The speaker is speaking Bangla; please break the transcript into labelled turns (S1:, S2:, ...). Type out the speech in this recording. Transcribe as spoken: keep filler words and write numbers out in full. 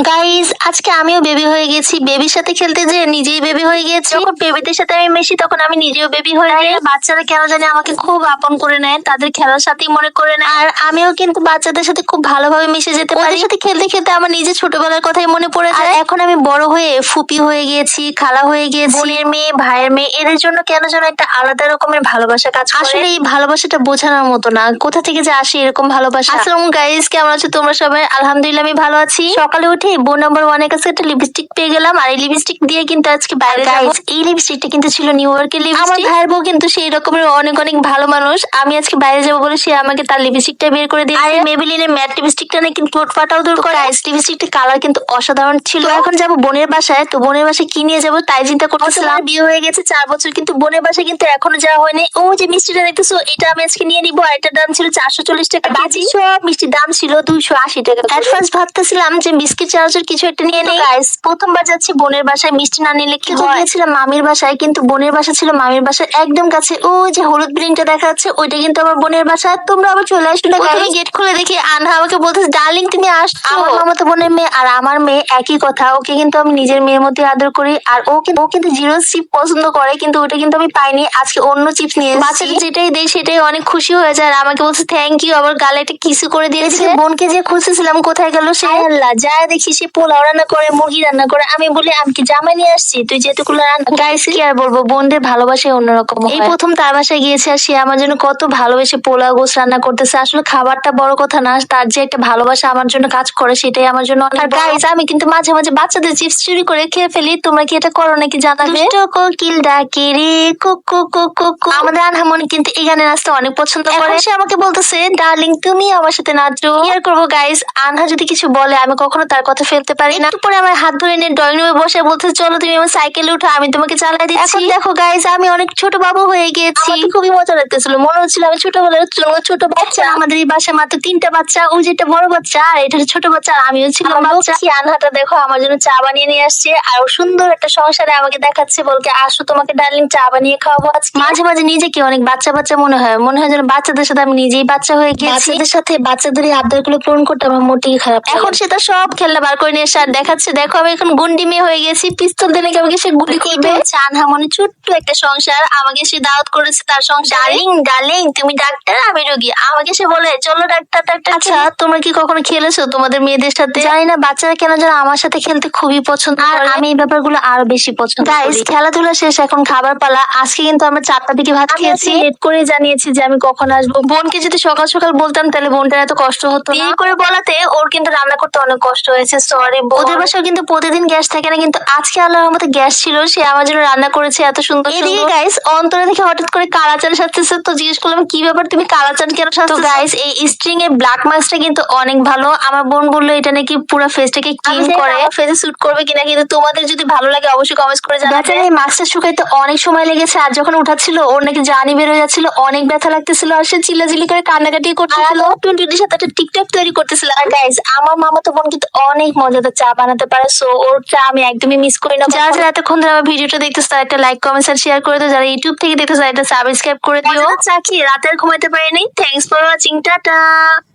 S1: গাইস আজকে আমিও বেবি হয়ে গেছি। বেবির সাথে খেলতে যে নিজেই বেবি হয়ে গেছি। যখন বেবিদের সাথে আমি মেশি তখন আমি নিজেও বেবি হয়ে যাই। বাচ্চারা কেন জানি আমাকে খুব আপন করে নেয়, তাদের খেলার সাথেই মনে করে নেয়। আর আমিও কিন্তু বাচ্চাদের সাথে খুব ভালোভাবে মিশে যেতে পারি। ওদের সাথে খেলতে খেলতে আমার নিজের ছোটবেলার কথাই মনে পড়ে যায়। আর এখন আমি বড় হয়ে ফুপি হয়ে গিয়েছি, খালা হয়ে গিয়েছি, বোনের মেয়ে, ভাইয়ের মেয়ে, এদের জন্য কেন যেন একটা আলাদা রকমের ভালোবাসা কাজ করে। আসলে এই ভালোবাসাটা বোঝানোর মতো না, কোথা থেকে যে আসে এরকম ভালোবাসা। আসসালামু গাইস, কেমন আছো তোমরা সবাই? আলহামদুলিল্লাহ আমি ভালো আছি। সকালে উঠে বোন নাম্বার ওয়ানের কাছে একটা লিপস্টিক পেয়ে গেলাম, আর এই লিপস্টিক দিয়ে কিন্তু আজকে বাইরে যাবো। এই লিপস্টিকটা কিন্তু ছিল নিউ ইয়র্কের লিপস্টিক। আমার ভাইয়ের বউ কিন্তু সেই রকমের অনেক অনেক ভালো মানুষ। আমি আজকে বাইরে যাবো বলে সে আমাকে তার লিপস্টিকটা বের করে দিয়েছে। আর মেবেলিনের ম্যাট লিপস্টিকটা না কিন্তু ঠোঁট ফাটাও দূর করে। লিপস্টিকটার কালার কিন্তু অসাধারণ ছিল। এখন যাবো বোনের বাসায়, তো বোনের বাসায় কি নিয়ে যাবো তাই চিন্তা করতেছিলাম। বিয়ে হয়ে গেছে চার বছর, কিন্তু বোনের বাসায় কিন্তু এখনো যাওয়া হয়নি। ও যে মিষ্টিটা দেখতেছো, এটা আমি আজকে নিয়ে নিবো। আর এটার দাম ছিল চারশো চল্লিশ টাকা কেজি। সব মিষ্টির দাম ছিল দুইশো আশি টাকা। এট ফার্স্ট ভাবতেছিলাম যে বিস্কিট চানাচুর কিছু একটা নিয়ে নেই। গাইস প্রথমবার যাচ্ছি বোনের বাসায়, মিষ্টি না নিলে কি হয়। গিয়েছিলাম মামির বাসায়, কিন্তু বোনের বাসা ছিল মামির বাসার একদম কাছে। ও যে হলুদ বিল্ডিংটা দেখা যাচ্ছে ওইটা কিন্তু আমার বোনের বাসা। তোমরা আবার চলে আসবে না। আমি গেট খুলে দেখি আনহা আমাকে বলতেছে, ডার্লিং তুমি আসছো। আমার মামাতো বোনের মেয়ে আর আমার মেয়ে একই কথা। ওকে কিন্তু আমি নিজের মেয়ের মধ্যে আদর করি। আর ও কিন্তু ও কিন্তু জিরো চিপ পছন্দ করে, কিন্তু ওটা কিন্তু আমি পাইনি। আজকে অন্য চিপস নিয়ে এসেছি। বাচ্চাদের যেটাই দেয় সেটাই অনেক খুশি হয়ে যায়। আর আমাকে বলছে থ্যাংক ইউ, আবার গালে একটা কিসু করে দিয়েছে। বোনকে যে খুঁজতেছিলাম কোথায় গেল সে, আল্লাহ যায় দেখি সে পোলাও রান্না করে, মুরগি রান্না করে। আমি বলি আমি কি জামাই নিয়ে আসছি, তুই যেহেতু রান্না। গাইস কি আর বলবো, বোনদের ভালোবাসাই অন্যরকম। এই প্রথম তার বাসায় গিয়েছে আর সে আমার জন্য কত ভালোবেসে পোলাও গোস রান্না করতেছে। আসলে খাবারটা বড় কথা না, তার যে একটা ভালোবাসা আমার জন্য কাজ করে সেটাই আমার জন্য। আর গাইস আমি কিন্তু মাঝে মাঝে বাচ্চাদের চিপস চুরি করে খেয়ে ফেলি। তোমরা কি এটা করো নাকি জানাবে। কোকিল ডাকে রে কুকু কুকু কুকু। আমাদের আনহামনি কিন্তু এই গানের নাচতে অনেক পছন্দ করে। সে আমাকে বলতেছে ডার্লিং তুমি আমার সাথে নাচো। কি আর করবো গাইস, আনহা যদি কিছু বলে আমি কখনো তার কথা ফেলতে পারি না। পরে আমার হাত ধরে নিয়ে ড্রয়িং রুমে বসে বলতেছে চলো তুমি আমার সাইকেলে উঠো, আমি তোমাকে চালাই দিচ্ছি। এখন দেখো গাইস আমি অনেক ছোট বাবু হয়ে গিয়েছি। খুবই মজা লাগতেছিল, মনে হচ্ছিল আমি ছোটবেলার ছোট বাচ্চা। আমাদের এই বাসায় মাত্র তিনটা বাচ্চা, ওই যেটা বড় বাচ্চা আর এটা ছোট বাচ্চা, আর আমিও ছিলাম বাচ্চা। আনহাটা দেখো আমার জন্য চা বানিয়ে নিয়ে আসছে, আর সুন্দর একটা সংসারে আমাকে দেখাচ্ছে, বলকে আসো তোমাকে ডার্লিং চা বানিয়ে খাওয়াবো আজকে। মাঝে মাঝে নিজেকে অনেক বাচ্চা বাচ্চা মনে হয়, মনে হয় যেন বাচ্চাদের সাথে আমি নিজেই বাচ্চা হয়ে গেছি। বাচ্চাদের সাথে বাচ্চাদের এই আবদার গুলো পূরণ করতে আমার মোটেই খারাপ। এখন সেটা সব খেলনা বার করে নিয়ে এসে আর দেখাচ্ছে দেখো আমি এখন গুন্ডি মেয়ে হয়ে গেছি, পিস্তল দিয়ে নাকি আমাকে সে গুলি করবে। আনহা মনে ছোট্ট একটা সংসার, আমাকে সে দাওয়াত করেছে তার সংসার। ডার্লিং ডার্লিং তুমি ডাক্তার আমি রোগী, আমাকে সে বলে চলো ডাক্তার ডাক্তার। আচ্ছা তোমরা কি কখনো খেলেছো তোমাদের মেয়েদের সাথে? জানি না বাচ্চারা কেন যেন আমার সাথে খেলতে খুবই পছন্দ আর আমি এই ব্যাপারগুলো আরো বেশি পছন্দ করি। গাইস খেলাধুলা শেষ, এখন খাবার পালা। আজকে কিন্তু আমরা চারটা দিকে ভাত খেয়েছি। লেট করে জানিয়েছি যে আমি কখন আসবো। বোনকে যদি সকাল সকাল বলতাম তাহলে বোনটার এত কষ্ট হতো না। দেরি করে বলাতে ওর কিন্তু রান্না করতে অনেক কষ্ট হয়েছে, সরি। ওদের বাসায় কিন্তু প্রতিদিন গ্যাস থাকে না, কিন্তু আজকে আল্লাহর রহমতে গ্যাস ছিল, সে আমার জন্য রান্না করেছে এত সুন্দর। এদিকে গাইস অন্তরে দেখে হঠাৎ করে কালাচান সাজতেছে, তো জিজ্ঞেস করলাম কি ব্যাপার তুমি কালাচান কেন সাজতেছো? তো গাইস এই স্ট্রিং এর ব্ল্যাক মাস্কটা কিন্তু অনেক ভালো। আমার বোন বললো এটা নাকি পুরো ফেসটাকে ক্লিন করে, ফেসে স্যুট করবে কিনা, কিন্তু তোমাদের যদি ভালো লাগে অবশ্যই কমেন্টস করে জানাবে। এই মাস্কটা শুকাইতে অনেক সময় লেগেছে, আর যখন উঠাচ্ছিল ওর নাকি জানি বের হয়ে যাচ্ছিল, অনেক ব্যথা লাগতেছিল, আর সে চিল্লাচিল্লি করে কান্নাকাটি করতেছিল, টুনটুনির সাথে একটা টিকটক তৈরি করতেছিল। আর গাইস আমার মামাতো বোন কিন্তু অনেক মজাদার চা বানাতে পারে, সো ওর চা আমি একদমই মিস করি না। যারা যারা এতক্ষণ ধরে আমার ভিডিওটা দেখতেছো তারা একটা লাইক কমেন্ট আর শেয়ার করে দিও। যারা ইউটিউব থেকে দেখতেছো একটা সাবস্ক্রাইব করে দিও। চা খেয়ে রাতের ঘুমাইতে পারিনি। Thanks for watching, tata.